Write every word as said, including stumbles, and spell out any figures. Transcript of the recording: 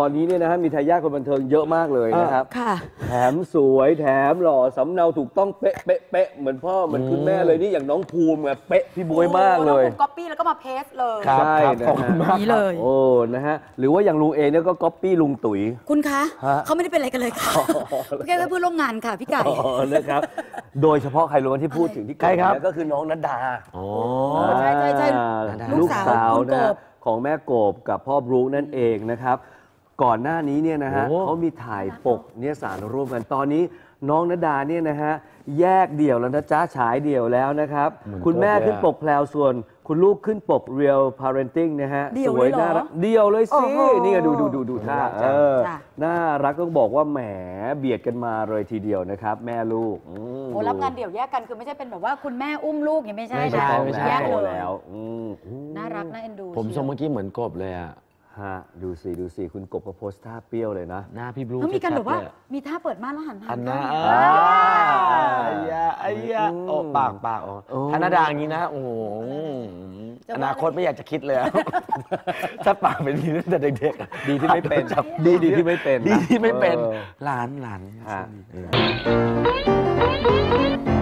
อนนี้เนี่ยนะฮะมีทายาทคนบันเทิงเยอะมากเลยนะครับแถมสวยแถมหล่อสำเนาถูกต้องเป๊ะเป๊ะเป๊ะเหมือนพ่อเหมือนคุณแม่เลยนี่อย่างน้องภูมิแบบเป๊ะพี่บวยมากเลยก๊อปปี้แล้วก็มาเพสเลยใช่นะฮะนี่เลยโอ้นะฮะหรือว่าอย่างลุงเองเนี่ยก็ก๊อปปี้ลุงตุ๋ยคุณคะเขาไม่ได้เป็นอะไรกันเลยค่ะแค่เพื่อนร่วมงานค่ะพี่ไก่นะครับโดยเฉพาะใครรู้ที่พูดถึงที่ใกล้ครับก็คือน้องณดาใช่ใช่ใช่ลูกสาวนะของแม่โกบกับพ่อบรู๊นั่นเองนะครับก่อนหน้านี้เนี่ยนะฮะเขามีถ่ายปกเนี่ยสารร่วมกันตอนนี้น้องณดาเนี่ยนะฮะแยกเดี่ยวแล้วนะจ๊ะฉายเดี่ยวแล้วนะครับคุณแม่ขึ้นปกแพลวส่วนคุณลูกขึ้นปก Real Parenting นะฮะสวยน่ารักเดี่ยวเลยสินี่ดูดูดูดูท่าเออน่ารักต้องบอกว่าแหมเบียดกันมาเลยทีเดียวนะครับแม่ลูกโอ้รับงานเดี่ยวแยกกันคือไม่ใช่เป็นแบบว่าคุณแม่อุ้มลูกอย่างไม่ใช่นะแยกเลยแล้วน่ารักน่าเอ็นดูผมทรงเมื่อกี้เหมือนกบเลยอ่ะฮะดูสิดูสิคุณกบก็โพสท่าเปรี้ยวเลยนะหน้าพี่บลูเขามีกันแบบว่ามีท่าเปิดม่านแล้วหันหันหน้าไอ้ยาไอ้ยาโอ้ปากปากโอ้ธนดาอย่างนี้นะโอ้โหอนาคตไม่อยากจะคิดเลยถ้าปากเป็นนี้ตั้งแต่เด็กๆดีที่ไม่เป็นดีดีที่ไม่เป็นดีที่ไม่เป็นหลานหลาน